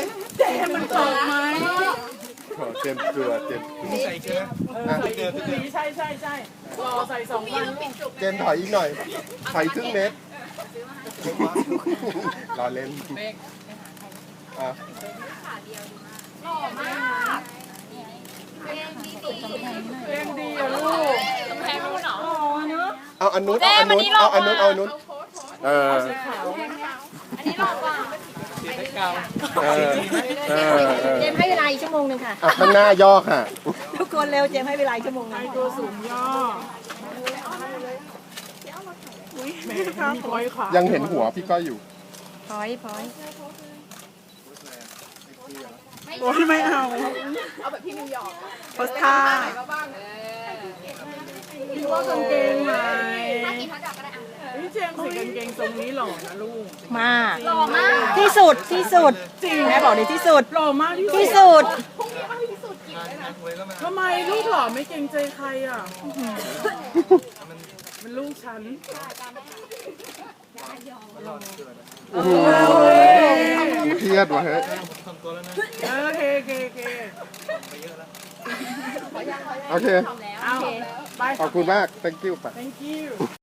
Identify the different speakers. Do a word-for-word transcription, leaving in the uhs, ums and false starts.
Speaker 1: เจมมันตกไหม
Speaker 2: เจมเกลือเจม
Speaker 3: ใส่เกลือ
Speaker 1: ใส่เกลือใช่ใช่ใช่รอใส่สองวัน
Speaker 2: เจมถอยอีกหน่อยถอยครึ่งเมตรรอเล่นอ่ะ
Speaker 1: เพลงดีอะลูกกำแพงนู้นเหรอเนอะ
Speaker 2: เอาอันนู้นเอาอันนู้นเอาอันนู้นเอาอันนู้นเออ
Speaker 4: อันนี้หลอกว่า
Speaker 3: เสียเกา
Speaker 2: เออเออเออ
Speaker 4: เจมให้เวลาอีกชั่วโมงหนึ่งค่ะ
Speaker 2: อ่ะข้างหน้าย่อค่ะ
Speaker 4: ทุกคนเร็วเจมให้เวลาอีกชั่วโมงหนึ
Speaker 1: ไอง ตัวสูงย่ออุ้ยแม่มีคอยขา
Speaker 2: ยังเห็นหัวพี่ก้อยอยู่
Speaker 4: พอยพอย
Speaker 1: โอ้ยไม่เอาเอาแบบพี่นิวยอร์กโพสท่าพี่ว่ากางเกงไหมพี่เจมส์ใส่กางเกงทรงนี้หล่อนะลูก
Speaker 4: มากหล่อมากที่สุดที่สุด
Speaker 1: จริง
Speaker 4: แม่บอกดีที่สุด
Speaker 1: หล่อมากที่
Speaker 4: ที่สุด
Speaker 1: ทำไมลูกหล่อไม่เกรงใจใครอ่ะมันลูกฉัน
Speaker 2: โอ้โหเครียดว่ะเฮ้ย
Speaker 3: ทำตัวแล้วนะ
Speaker 1: เออโอเคโอเคโอเค
Speaker 2: โอเค
Speaker 1: เอาไป
Speaker 2: ขอบคุณมาก thank you ป่ะ
Speaker 1: thank you